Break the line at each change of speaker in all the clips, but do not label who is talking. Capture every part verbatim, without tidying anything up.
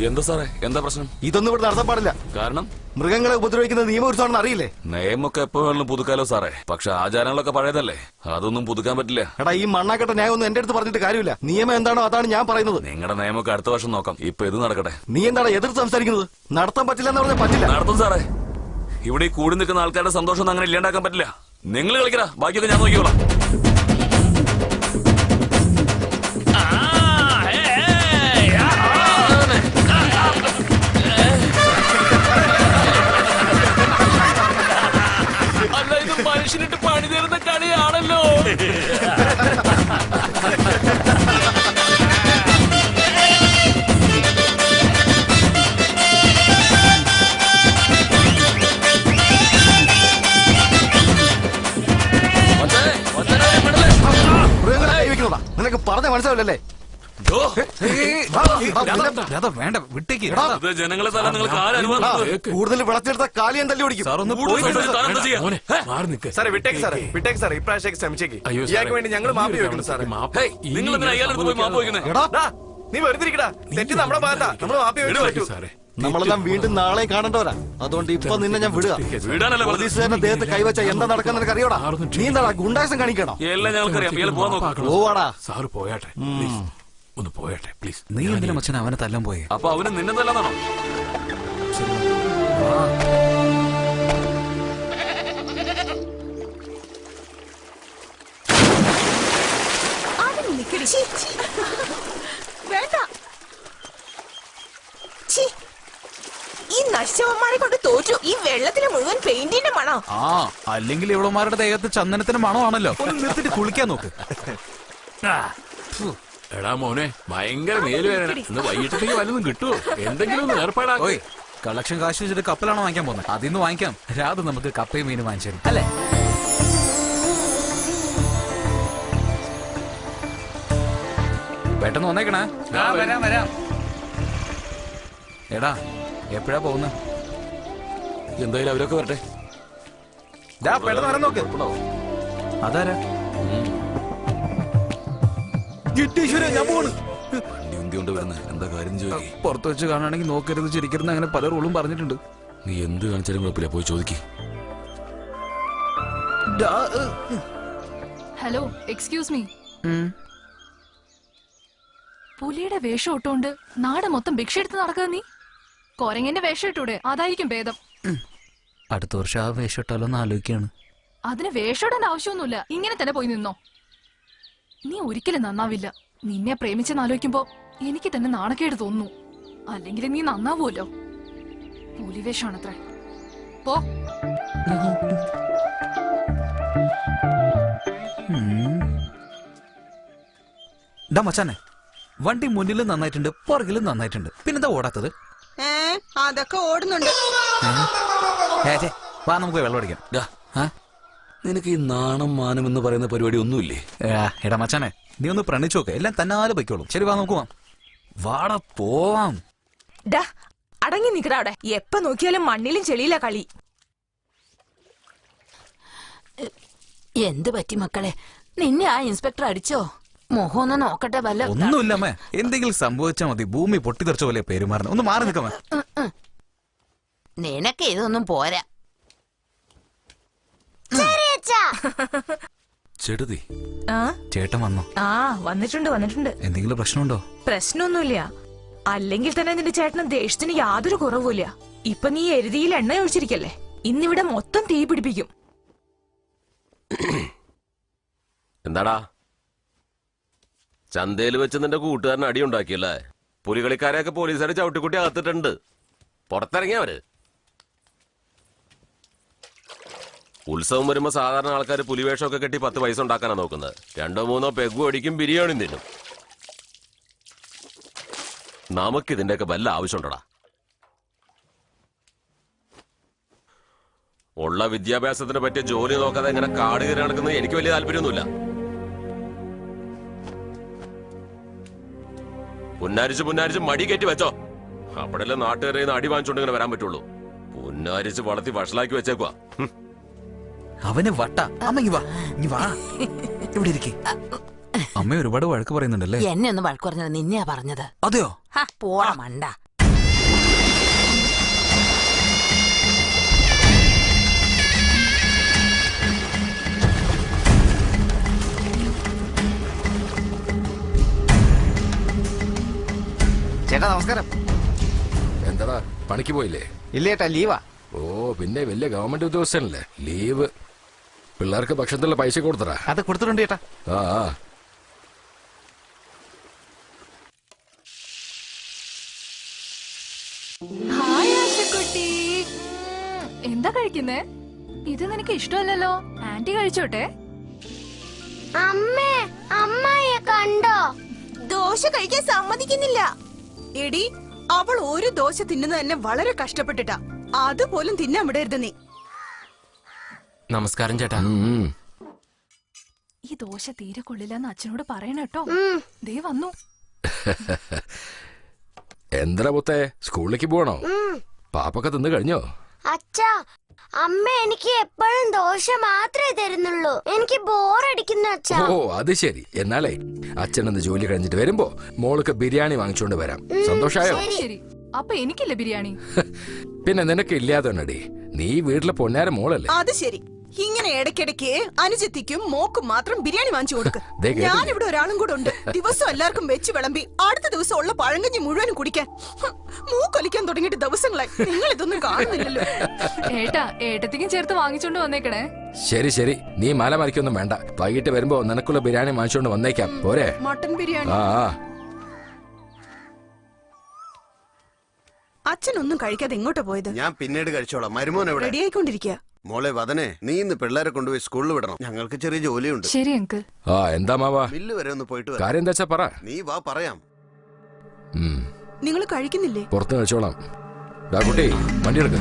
എന്താ സാറേ, എന്താ പ്രശ്നം?
ഇതൊന്നും ഇവിടെ നടത്താൻ പാടില്ല.
കാരണം
മൃഗങ്ങളെ ഉപദ്രവിക്കുന്ന നിയമപുരുഷമാണെന്ന് അറിയില്ലേ?
നിയമമൊക്കെ എപ്പോ വേണമെങ്കിലും പുതുക്കാലോ സാറേ, പക്ഷെ ആചാരങ്ങളൊക്കെ പഴയതല്ലേ, അതൊന്നും പുതുക്കാൻ പറ്റില്ല.
എടാ, ഈ മണ്ണാക്കട്ട ന്യായം ഒന്നും എന്റെ അടുത്ത് പറഞ്ഞിട്ട് കാര്യമില്ല. നിയമം എന്താണോ അതാണ് ഞാൻ പറയുന്നത്.
നിങ്ങളുടെ നിയമമൊക്കെ അടുത്ത വർഷം നോക്കാം, ഇപ്പൊ ഇത് നടക്കട്ടെ.
നീ എന്താണ് എതിർത്ത് സംസാരിക്കുന്നത്? നടത്താൻ പറ്റില്ല എന്ന് പറഞ്ഞാൽ പറ്റില്ല.
നടത്തും സാറേ. ഇവിടെ ഈ കൂടി നിൽക്കുന്ന ആൾക്കാരുടെ സന്തോഷം അങ്ങനെ ഇല്ലാണ്ടാക്കാൻ പറ്റില്ല. നിങ്ങൾ കളിക്കടാ, ബാക്കിയൊക്കെ ഞാൻ നോക്കിക്കോളാം. മനുഷ്യനിട്ട് പണി തരുന്ന കളിയാണല്ലോ.
നിനക്ക് പറഞ്ഞ മനസ്സിലാവില്ലല്ലേ?
ജനങ്ങളെ തല നിങ്ങൾക്ക് ആരും
കൂടുതൽ വിളച്ചെടുത്ത കാലിയം തല്ലി ഓടിക്കും.
വേണ്ടി ഞങ്ങൾ മാപ്പി വെക്കണം സാറേ.
നിങ്ങൾ അയാളെടുത്ത് പോയി മാപ്പ് വയ്ക്കുന്നേ?
നീ വെറുതെ തെറ്റ് നമ്മുടെ ഭാഗത്താ, നമ്മൾ മാപ്പി വെച്ചു സാറേ.
നമ്മളെല്ലാം വീണ്ടും നാളെ കാണേണ്ടവരാ. അതുകൊണ്ട് ഇപ്പൊ നിന്നെ ഞാൻ വിടുക. പോലീസുകാരന്റെ ദേഹത്ത് കൈവച്ച എന്താ നടക്കാൻ നിനക്ക് അറിയോടാ? നീ എന്താ ഗുണ്ടാസം കാണിക്കണോ?
എല്ലാം ഞങ്ങൾക്കറിയാം.
പോവാടാ.
സാറ് പോയാട്ടെ, ഒന്ന് പോയാട്ടെ പ്ലീസ്.
നീ എന്തിനാ മച്ചൻ അവനെ തല്ലാൻ പോയെ?
അപ്പൊ അവന് നിന്നെ തല്ലാന്നാണോ?
വേണ്ട, ഈ നശിച്ചവന്മാരെ കൊണ്ട് തോറ്റു. ഈ വെള്ളത്തിലെ മുഴുവൻ പെയിന്റിന്റെ മണോ?
ആ, അല്ലെങ്കിൽ ഇവളുമാരുടെ ദേഹത്ത് ചന്ദനത്തിന് മണമാണല്ലോ. ഒന്ന് നിർത്തിട്ട് കുളിക്കാൻ നോക്ക്.
എടാ മോനെ, ഭയങ്കര മേലുവേദന. ഇന്ന് വൈകിട്ടത്തേക്ക് വല്ലതും കിട്ടുമോ? എന്തെങ്കിലും ഒന്ന് ഏർപ്പാടാ.
ഓയ്, കളക്ഷൻ കാശ് വെച്ചിട്ട് കപ്പലാണോ വാങ്ങിക്കാൻ പോകുന്നത്? അതിന്ന് വാങ്ങിക്കാം. രാത് നമുക്ക് കപ്പയും മീനും വാങ്ങിച്ചു തരും അല്ലേ? പെട്ടെന്ന് വന്നേക്കണേ. വരാം വരാം. എടാ, എപ്പോഴാ പോകുന്നത്?
എന്തായാലും അവരൊക്കെ വരട്ടെ.
പെട്ടെന്ന് വരാൻ നോക്ക്. അതാരാ? ഞാൻ പോണ്.
എന്തുകൊണ്ട് വരുന്നത്? എന്താ കാര്യം ചോദിക്കി.
പുറത്ത് വെച്ച് കാണുകയാണെങ്കിൽ നോക്കരുത്, ചിരിക്കരുത്, അങ്ങനെ പല റൂളും പറഞ്ഞിട്ടുണ്ട്.
നീ എന്ത് കാണിച്ചാലും കുഴപ്പമില്ല, പോയി ചോദിക്കി.
Hello, excuse me. പുലിയുടെ വേഷം ഇട്ടോണ്ട് നാട് മൊത്തം ഭിക്ഷ എടുത്ത് നടക്കുക നീ? കൊരങ്ങന്റെ വേഷം ഇട്ടൂടെ? അതായിരിക്കും ഭേദം.
അടുത്ത വർഷം ആ വേഷം ഇട്ടാലോന്ന് ആലോചിക്കാണ്.
അതിന് വേഷം ഇടാൻ ആവശ്യമൊന്നുമില്ല, ഇങ്ങനെ തന്നെ പോയി നിന്നോ. നീ ഒരിക്കലും നന്നാവില്ല. നിന്നെ പ്രേമിച്ചെന്ന് ആലോചിക്കുമ്പോ എനിക്ക് തന്നെ നാണക്കേട് തോന്നുന്നു. അല്ലെങ്കിൽ നീ നന്നാവൂല്ലോ. പുലിവേഷമാണത്രേ. പോ.
മച്ചാനെ, വണ്ടി മുന്നിലും നന്നായിട്ടുണ്ട്, പുറകിലും നന്നായിട്ടുണ്ട്, പിന്നെന്താ ഓടാത്തത്?
അതൊക്കെ ഓടുന്നുണ്ട്.
വാ, നമുക്ക് വെള്ളം അടിക്കാം.
നിനക്ക് ഈ നാണം മാനം എന്ന് പറയുന്ന പരിപാടി ഒന്നുമില്ലേ?
എടാ മച്ചാനെ, നീ ഒന്ന് പ്രണയിച്ചു നോക്ക്, എല്ലാം തന്നാലെ പൊയ്ക്കോളും. ശരി, വാ നമുക്ക് പോവാം. വാടാ, പോവാം.
അടങ്ങി നിക്കടാ അവിടെ. എപ്പ നോക്കിയാലും മണ്ണിലും ചെളിയിലാ കളി.
എന്ത് പറ്റി മക്കളെ? നിന്നെ ആ ഇൻസ്പെക്ടർ അടിച്ചോ? മുഖം ഒന്ന് നോക്കട്ടെ. വല്ല
ഒന്നുമില്ലമ്മേ, എന്തെങ്കിലും സംഭവിച്ചാ മതി. ഭൂമി പൊട്ടിത്തെറിച്ച പോലെ പെരുമാറുന്നത്. ഒന്ന് മാറി നിൽക്കാമേ.
നിനക്ക് ഇതൊന്നും പോരാ.
ചെടുതി,
ചേട്ടൻ വന്നോ?
ആ, വന്നിട്ടുണ്ട് വന്നിട്ടുണ്ട്.
എന്തെങ്കിലും പ്രശ്നമുണ്ടോ?
പ്രശ്നമൊന്നുമില്ല. അല്ലെങ്കിൽ തന്നെ നിന്റെ ചേട്ടന് ദേഷ്യത്തിന് യാതൊരു കുറവുമില്ല. ഇപ്പൊ നീ എരുതിയിൽ എണ്ണ ഒഴിച്ചിരിക്കല്ലേ, ഇന്നിവിടെ മൊത്തം തീ പിടിപ്പിക്കും.
എന്താടാ, ചന്തയിൽ വെച്ച് നിന്റെ കൂട്ടുകാരൻ അടി ഉണ്ടാക്കിയല്ലേ? പുലികളിക്കാരെയൊക്കെ പോലീസുകാരെ ചവിട്ടിക്കുട്ടി അകത്തിട്ടുണ്ട്. പുറത്തിറങ്ങിയവര്. ഉത്സവം വരുമ്പോ സാധാരണ ആൾക്കാർ പുലിവേഷമൊക്കെ കെട്ടി പത്ത് പൈസ ഉണ്ടാക്കാനാ നോക്കുന്നത്. രണ്ടോ മൂന്നോ പെഗും അടിക്കും, ബിരിയാണിയും തിന്നും. നമുക്കിതിന്റെയൊക്കെ വല്ല ആവശ്യമുണ്ടടാ? ഉള്ള വിദ്യാഭ്യാസത്തിനെ പറ്റിയ ജോലി നോക്കാതെ ഇങ്ങനെ കാട് കയറി നടക്കുന്നത് എനിക്ക് വലിയ താല്പര്യമൊന്നുമില്ല. പുന്നാരിച്ച് പുന്നാരിച്ച് മടി കയറ്റി വെച്ചോ. അവിടെല്ലാം നാട്ടുകാരെ അടി വാങ്ങിച്ചോണ്ട് ഇങ്ങനെ വരാൻ പറ്റുള്ളൂ. പുന്നാരിച്ച് വളർത്തി വഷളാക്കി വെച്ചേക്കുവാ.
അവന് വട്ട. അമ്മ വാ, വാ, ഇവിടെ ഇരിക്കേ. അമ്മ ഒരുപാട് വഴക്ക് പറയുന്നുണ്ടല്ലേ?
എന്നെ ഒന്ന് വഴക്ക് പറഞ്ഞത് നിന്നെയാ പറഞ്ഞത്.
അതെയോ?
പോടാ മണ്ട.
ചേട്ടാ നമസ്കാരം.
എന്താടാ പണിക്ക് പോയില്ലേ?
ഇല്ല ചേട്ടാ ലീവാ.
ഓ പിന്നെ വലിയ ഗവൺമെന്റ് ഉദ്യോഗസ്ഥനല്ലേ, ലീവ്. പിള്ളേർക്ക് ഭക്ഷണത്തിലുള്ള പൈസ കൊടുത്തടാ?
അത് കൊടുത്തിട്ടുണ്ട് ചേട്ടാ.
ആ ആ.
ഹായ് ആശക്കുട്ടി. എന്താ കഴിക്കുന്നേ? ഇത് നിനക്ക് ഇഷ്ടമല്ലല്ലോ. ആന്റി കഴിച്ചോട്ടെ.
അമ്മേ, അമ്മയെ കണ്ടോ?
ദോശ കഴിക്കാൻ സമ്മതിക്കുന്നില്ല. എടി, അവൾ ഒരു ദോശ തിന്നുന്നത് തന്നെ വളരെ കഷ്ടപ്പെട്ടിട്ടാ. അതുപോലും തിന്നാൻ വിടരുത് നീ.
നമസ്കാരം ചേട്ടാ.
ഈ ദോശ തീരെ കൊള്ളില്ലെന്ന് അച്ഛനോട് പറയണ കേട്ടോ. ദേ വന്നു.
എന്താ പുത്തേ, സ്കൂളിലേക്ക് പോകണോ? പാപ്പൊക്കെ തിന്നു കഴിഞ്ഞോ?
അച്ഛാ, അമ്മ എനിക്ക് എപ്പോഴും ദോശ മാത്രമേ തരുന്നുള്ളൂ. എനിക്ക് ബോറടിക്കുന്നു അച്ഛാ.
ഓ അത് ശരി. എന്നാലേ അച്ഛനൊന്ന് ജോലി കഴിഞ്ഞിട്ട് വരുമ്പോ മോൾക്ക് ബിരിയാണി വാങ്ങിച്ചോണ്ട് വരാം. സന്തോഷായോ?
ശരി. അപ്പൊ എനിക്കില്ല ബിരിയാണി.
പിന്നെ നിനക്ക് ഇല്ലാതെ നീ വീട്ടിലെ പൊന്നാര മോളല്ലേ?
അത് ശരി. ഇങ്ങനെ ഇടയ്ക്കിടയ്ക്ക് അനുജത്തിക്കും മോക്കും മാത്രം ബിരിയാണി വാങ്ങിച്ചു കൊടുക്ക്.
ദേ കേട്ടില്ലേ?
ഞാനിവിടെ ഒരാളും കൂടെ ഉണ്ട്. ദിവസം എല്ലാവർക്കും വെച്ച് വിളമ്പി അടുത്ത ദിവസം ഉള്ള പഴങ്കഞ്ഞി മുഴുവനും കുടിക്കാൻ. ഹും, മൂക്കൊലിക്കാൻ തുടങ്ങിയിട്ട് ദിവസങ്ങളായി. നിങ്ങൾ ഇതൊന്നും കാണുന്നില്ലല്ലോ.
ഏട്ടാ, ഏട്ടത്തിക്കും ചേർത്ത് വാങ്ങിച്ചോണ്ട് വന്നേക്കണേ.
ശരി ശരി, നീ മല മറിക്കൊന്നും വേണ്ട. വൈകിട്ട് വരുമ്പോ നിനക്കുള്ള ബിരിയാണി വാങ്ങിച്ചോണ്ട് വന്നേക്കാം. പോരെ?
മട്ടൻ ബിരിയാണി.
ആ ആ.
അച്ഛനൊന്നും കഴിക്കാതെ എങ്ങോട്ടാ പോയത്?
ഞാൻ പിന്നീട് കഴിച്ചോളാം. മരുമോൻ എവിടെ?
റെഡി ആയിക്കൊണ്ടിരിക്കുക.
മോളെ വദനെ, നീ ഇന്ന് പിള്ളേരെ കൊണ്ടുപോയി സ്കൂളിൽ വിടണം. ഞങ്ങൾക്ക് ചെറിയ ജോലിയുണ്ട്.
ശരി അങ്കിൾ.
ആ എന്താ മാവാ?
മില്ല് വരെ ഒന്ന് പോയിട്ട് വരാം.
കാര്യം എന്താ വെച്ചാ പറ.
നീ വാ പറയാം.
നിങ്ങൾ കഴിക്കുന്നില്ലേ?
പുറത്ത് കഴിച്ചോളാം. ഡാ കുട്ടി, വണ്ടി എടുക്ക.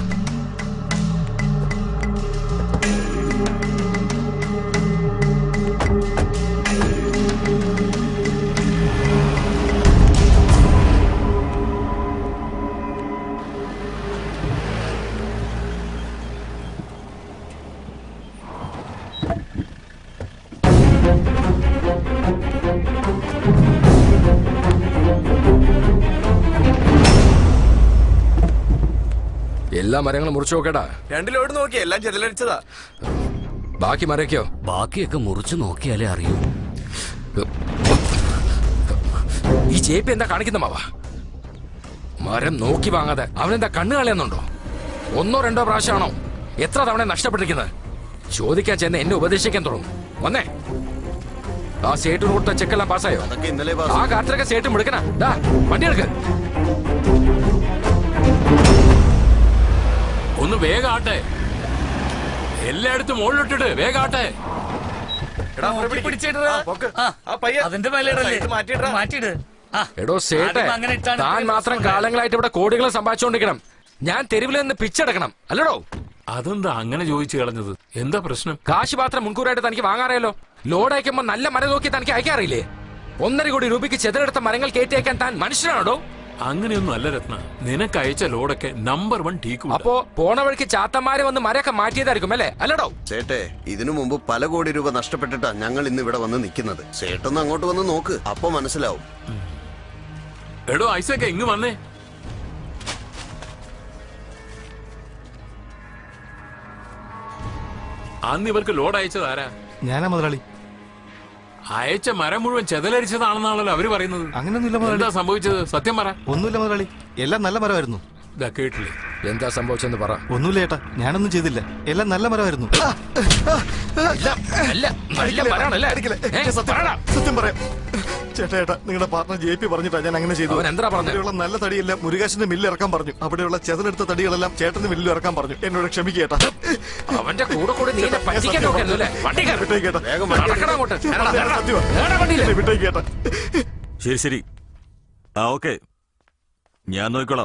എല്ലാ മരങ്ങളും മുറിച്ചു നോക്കടാ.
രണ്ടിലോട്ട് നോക്കി എല്ലാം ചെതലടിച്ചതാ.
ബാക്കി മരക്കോ?
ബാക്കിയൊക്കെ മുറിച്ചു നോക്കിയാലേ അറിയൂ.
ഈ ചേപ്പി എന്താ കാണിക്കുന്ന മാവാ? മരം നോക്കി വാങ്ങാതെ അവനെന്താ കണ്ണു കളയുന്നുണ്ടോ? ഒന്നോ രണ്ടോ പ്രാവശ്യമാണോ? എത്ര തവണ നഷ്ടപ്പെട്ടിരിക്കുന്നത്? ചോദിക്കാൻ ചെന്ന് എന്നെ ഉപദേശിക്കാൻ തുടങ്ങും. വന്നേ, ആ സേട്ടിന് കൊടുത്ത ചെക്കെല്ലാം പാസ്സായോ? ആ കാത്തിലൊക്കെ സേട്ടും എടുക്കണ. വണ്ടി എടുക്ക. ഒന്ന് വേഗാട്ടെ, എല്ലായിടത്തും മുകളിലിട്ടിട്ട് വേഗാട്ടെ. എടോ സേട്ടെ, താൻ മാത്രം കാലങ്ങളായിട്ട് ഇവിടെ കോടികൾ സമ്പാദിച്ചുകൊണ്ടിരിക്കണം. ഞാൻ തെരുവിൽ നിന്ന് പിച്ചെടുക്കണം അല്ലടോ?
അതെന്താ അങ്ങനെ ചോദിച്ചു കളഞ്ഞത്? എന്താ പ്രശ്നം?
കാശ് മാത്രം മുൻകൂറായിട്ട് തനിക്ക് വാങ്ങാറിയല്ലോ. ലോഡ് അയക്കുമ്പോ നല്ല മരം നോക്കി തനിക്ക് അയക്കാറില്ലേ? ഒന്നര കോടി രൂപയ്ക്ക് ചെതലെടുത്ത മരങ്ങൾ കയറ്റി അയക്കാൻ താൻ മനുഷ്യനാണോ?
അങ്ങനെയൊന്നും അല്ല രത്ന, നിനക്ക് അയച്ച ലോഡൊക്കെ നമ്പർ വൺ ടീക്ക്.
അപ്പോ പോണ വഴിക്ക് ചാത്തന്മാര് വന്ന് മരമൊക്കെ മാറ്റിയതായിരിക്കും അല്ലേ? അല്ലടോ
സേട്ടെ, ഇതിനു മുമ്പ് പല കോടി രൂപ നഷ്ടപ്പെട്ടിട്ടാ ഞങ്ങൾ ഇന്ന് ഇവിടെ വന്ന് നിൽക്കുന്നത്. സേട്ടൊന്ന് അങ്ങോട്ട് വന്ന് നോക്ക്, അപ്പൊ മനസ്സിലാവും.
എടോ ഐസൊക്കെ ഇങ്ങ് വന്നേ. അന്ന് ഇവർക്ക് ലോഡ് അയച്ചത് ആരാ?
ഞാനാ മുതലാളി.
അയച്ച മരം മുഴുവൻ ചെതലരിച്ചതാണെന്നാണല്ലോ അവര് പറയുന്നത്.
അങ്ങനെയൊന്നുമില്ല മുതലാളി.
എന്താ സംഭവിച്ചത്? സത്യം പറ.
ഒന്നുമില്ല മുതലാളി, എല്ലാം നല്ല മരമായിരുന്നു.
കേട്ടില്ലേ?
എന്താ സംഭവിച്ചെന്ന് പറ.
ഒന്നുമില്ല ഏട്ടാ, ഞാനൊന്നും ചെയ്തില്ല. എല്ലാം നല്ല മരമായിരുന്നു. സത്യം പറയാം ചേട്ടാ, ഏട്ടാ നിങ്ങളുടെ പാർട്ണർ ജെ പി പറഞ്ഞിട്ടാ ഞാൻ അങ്ങനെ ചെയ്തു. അവിടെയുള്ള നല്ല തടിയെല്ലാം മുരുകാശിന്റെ മില്ലിൽ ഇറക്കാൻ പറഞ്ഞു. അവിടെയുള്ള ചെതലെടുത്ത തടികളെല്ലാം ചേട്ടന്റെ മില്ലിൽ ഇറക്കാൻ പറഞ്ഞു. എന്നോട് ക്ഷമിക്കേട്ടാ.
അവന്റെ കൂടെ കൂടെ നീ
വിട്ടേക്കേട്ടാ.
ശരി ശരി, ആ ഓക്കെ, ഞാൻ നോക്കിക്കോളാം.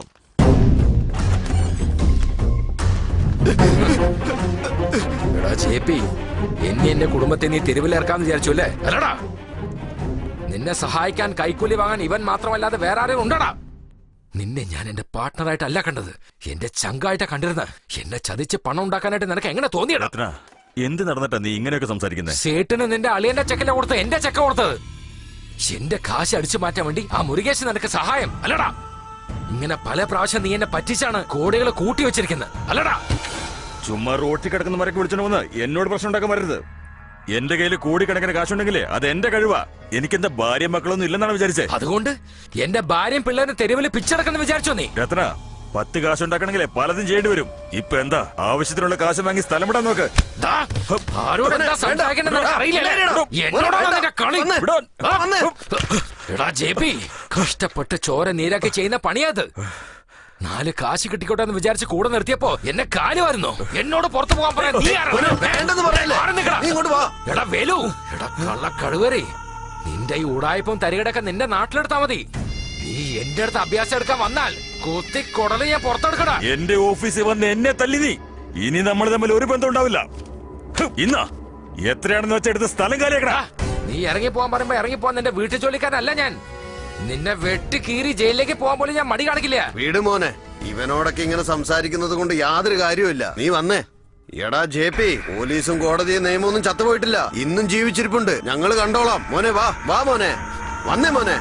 എടാ ചേപ്പി, എന്നെ എന്റെ കുടുംബത്തെ നീ തെരുവിലിറക്കാന്ന് വിചാരിച്ചു അല്ലേ? അല്ലടാ, നിന്നെ സഹായിക്കാൻ കൈക്കൂലി വാങ്ങാൻ ഇവൻ മാത്രമല്ലാതെ വേറെ ആരും ഉണ്ടടാ. നിന്നെ ഞാൻ എന്റെ പാർട്ട്ണറായിട്ടല്ല കണ്ടത്, എന്റെ ചങ്കായിട്ടാ കണ്ടിരുന്നത്. എന്നെ ചതിച്ച് പണം ഉണ്ടാക്കാനായിട്ട് നിനക്ക് എങ്ങനെ തോന്നിയടാ?
എന്ത് നടന്നിട്ടാ നീ ഇങ്ങനെയൊക്കെ സംസാരിക്കുന്നത്?
സേട്ടിന് നിന്റെ അളിയന്റെ ചെക്കല കൊടുത്ത് എന്റെ ചെക്ക കൊടുത്തത്. എന്റെ കാശ് അടിച്ചു മാറ്റാൻ വേണ്ടി ആ മുരുകേശ് നിനക്ക് സഹായം അല്ലടാ? ഇങ്ങനെ പല പ്രാവശ്യം നീ എന്നെ പറ്റിച്ചാണ് കോടികൾ കൂട്ടി വെച്ചിരിക്കുന്നത് അല്ലടാ?
ചുമ്മാ റോട്ടിൽ കിടക്കുന്ന മരക്ക് വിളിച്ചോണ്ട് വന്ന് എന്നോട് പ്രശ്നം ഉണ്ടാക്കാൻ വരരുത്. എന്റെ കയ്യിൽ കോടിക്കണക്കിന് കാശുണ്ടെങ്കിലേ അത് എന്റെ കഴിവാ. എനിക്കെന്താ ഭാര്യ മക്കളൊന്നും ഇല്ലെന്നാണ് വിചാരിച്ചേ?
അതുകൊണ്ട് എന്റെ ഭാര്യയും പിള്ളേരും തെരുവിൽ പിച്ചടക്കെന്ന് വിചാരിച്ചോ നീ?
രത്ന, പത്ത് കാശുണ്ടാക്കണമെങ്കിലേ പലതും ചെയ്യേണ്ടി വരും. ഇപ്പൊ എന്താ ആവശ്യത്തിനുള്ള കാശ് വാങ്ങി സ്ഥലം വിടാൻ നോക്ക്.
ദാ, ആരോട് എന്താ സംസാരിക്കണ്ടെന്ന് നിനക്ക് അറിയില്ലല്ലേ? എന്നോടാണോ നിന്റെ കളി? ആ? എടാ ജെ പി, കഷ്ടപ്പെട്ട് ചോര നീരാക്കി ചെയ്യുന്ന പണിയാത്. നാല് കാശ് കിട്ടിക്കോട്ടെ എന്ന് വിചാരിച്ച് കൂടെ നിർത്തിയപ്പോ എന്നെ കാലുവായിരുന്നു. എന്നോട് പുറത്തു പോകാൻ പറയാൻ നീ ആരാ? എടാ വേലു, എടാ കള്ള കഴുവരെ, നിന്റെ ഈ ഉടായ്പം തരികടൊക്കെ നിന്റെ നാട്ടിലെടുത്താ മതി. നീ എന്റെ അടുത്ത് അഭ്യാസം എടുക്കാൻ വന്നാൽ കുത്തി കൊടല് ഞാൻ പുറത്തെടുക്കടാ.
എന്റെ ഓഫീസിൽ വന്ന് എന്നെ തല്ലി നീ. ഇനി നമ്മൾ തമ്മിൽ ഒരു ബന്ധം ഉണ്ടാവില്ല. ഇന്നാ എത്രയാണെന്ന് വെച്ചെടുത്ത് സ്ഥലം കാലിയാക്കടാ.
നീ ഇറങ്ങി പോകാൻ പറയുമ്പോ ഇറങ്ങി പോവാൻ നിന്റെ വീട്ടിൽ ജോലിക്കാരനല്ല ഞാൻ. നിന്നെ വെട്ടി കീറി ജയിലിലേക്ക് പോകാൻ പോലും ഞാൻ മടി കാണിക്കില്ല.
വീട് മോനെ, ഇവനോടൊക്കെ ഇങ്ങനെ സംസാരിക്കുന്നത് കൊണ്ട് യാതൊരു കാര്യമില്ല. നീ വന്നേ. എടാ ജെ പി, പോലീസും കോടതിയും നിയമമൊന്നും ചത്തുപോയിട്ടില്ല. ഇന്നും ജീവിച്ചിരിപ്പുണ്ട്. ഞങ്ങള് കണ്ടോളാം. മോനെ വാ, വാ മോനെ, വന്നേ മോനെ.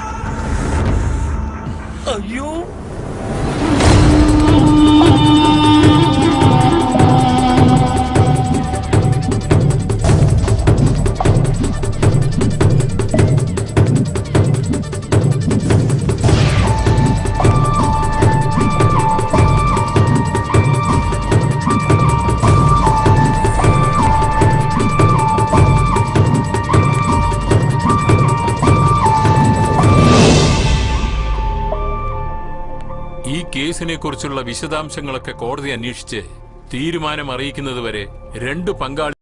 അയ്യോ,
ഈ കേസിനെ കുറിച്ചുള്ള വിശദാംശങ്ങളൊക്കെ കോടതി അന്വേഷിച്ച് തീരുമാനം അറിയിക്കുന്നതുവരെ രണ്ട് പങ്കാളി